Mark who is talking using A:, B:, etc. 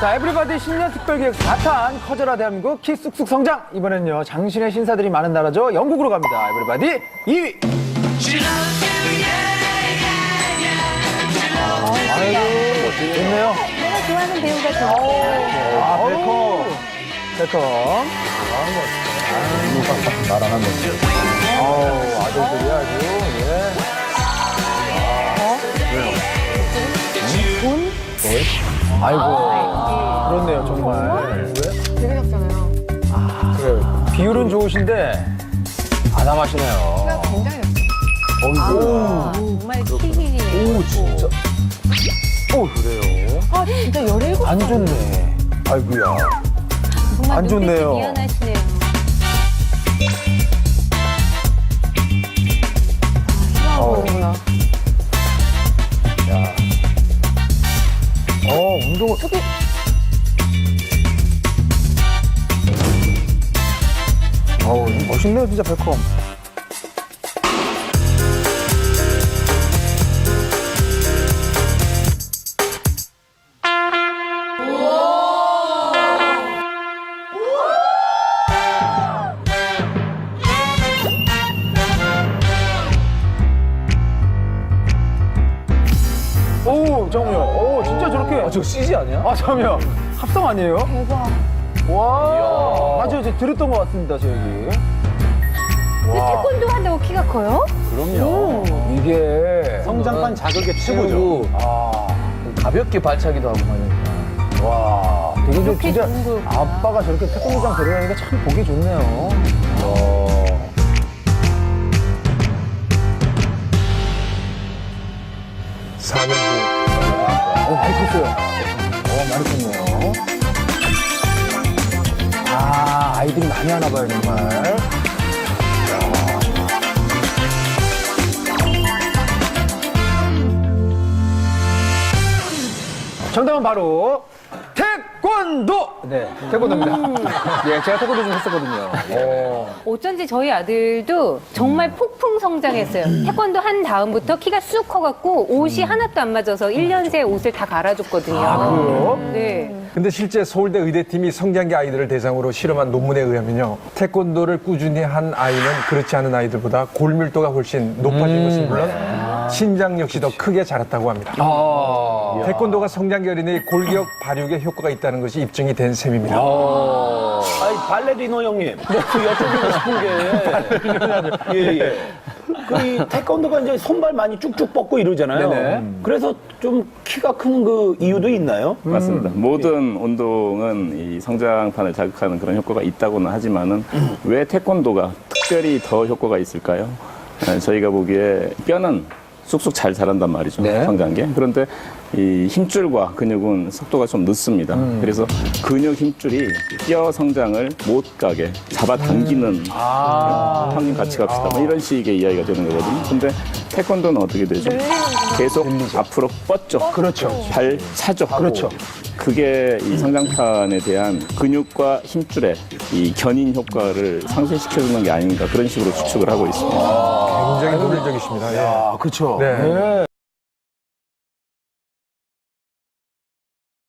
A: 자, 에브리바디 신년 특별기획 4탄 커져라 대한민국 키 쑥쑥 성장. 이번엔요, 장신의 신사들이 많은 나라죠. 영국으로 갑니다. 에브리바디 2위. 아이고, 좋네요.
B: 내가 좋아하는 배우가 저예요.
A: 아, 베컴. 베컴. 나랑 한 번. 아우, 아들들이 아주, 예.
B: 돈?
A: 아이고. 그렇네요, 정말. 왜?
B: 되게 작잖아요.
A: 그래요. 비율은 좋으신데, 아담하시네요.
B: 굉장히
A: 어이구.
B: 정말 킬킬이네요.
A: 오, 진짜. 오, 그래요.
B: 아, 진짜 17살.
A: 안 좋네. 아이고야.
B: 정말
A: 안 좋네요.
B: 눈빛이 미안하시네요.
A: 어. 야. 운동.
B: 저기
A: 멋있네요, 진짜 베컴. 오, 잠깐만요. 오, 진짜 저렇게.
C: 저 CG 아니야?
A: 아, 잠깐만요. 합성 아니에요?
B: 대박.
A: 와. 맞아요. 제가 들었던 것 같습니다, 저 얘기.
B: 근데 태권도 한다고 키가 커요?
A: 그럼요. 이게.
C: 성장판 자극의 최고죠.
A: 아,
C: 가볍게 발차기도 하고 하니까.
A: 와. 되게
B: 이렇게
A: 진짜
B: 좋은 거구나.
A: 아빠가 저렇게 태권도장 데려가니까 참 보기 좋네요. 와. 많이 컸어요. 많이 컸네요. 아, 아이들이 많이 하나 봐요, 정말. 정답은 바로 태권도! 네, 태권도입니다. 예, 제가 태권도 좀 했었거든요.
B: 어쩐지 저희 아들도 정말 폭풍 성장했어요. 태권도 한 다음부터 키가 쑥 커갖고 옷이 하나도 안 맞아서 1년 새 옷을 다 갈아줬거든요.
A: 그래요?
B: 네.
D: 근데 실제 서울대 의대팀이 성장기 아이들을 대상으로 실험한 논문에 의하면요. 태권도를 꾸준히 한 아이는 그렇지 않은 아이들보다 골밀도가 훨씬 높아진 것은 물론 신장 역시 더 크게 자랐다고 합니다. 태권도가 성장기 어린이의 골격 발육에 효과가 있다는 것이 입증이 된 셈입니다.
E: 아니, 발레리노 형님. 그 여쭤보고 싶은 게. 예. 이 태권도가 이제 손발 많이 쭉쭉 뻗고 이러잖아요.
A: 네네.
E: 그래서 좀 키가 큰 그 이유도 있나요?
F: 맞습니다. 모든 운동은 이 성장판을 자극하는 그런 효과가 있다고는 하지만은 왜 태권도가 특별히 더 효과가 있을까요? 저희가 보기에 뼈는 쑥쑥 잘 자란단 말이죠.
A: 네.
F: 성장기에. 그런데 이 힘줄과 근육은 속도가 좀 늦습니다. 그래서 근육 힘줄이 뼈 성장을 못 가게 잡아당기는 형님 같이 갑시다. 뭐 이런 식의 이야기가 되는 거거든요. 근데 태권도는 어떻게 되죠? 계속 앞으로 뻗죠.
A: 그렇죠.
F: 발 차죠.
A: 그렇죠.
F: 그게 이 성장판에 대한 근육과 힘줄의 이 견인 효과를 상쇄시켜주는 게 아닌가 그런 식으로 추측을 하고 있습니다.
D: 굉장히 논리적이십니다. 예.
A: 아, 그쵸.
D: 네.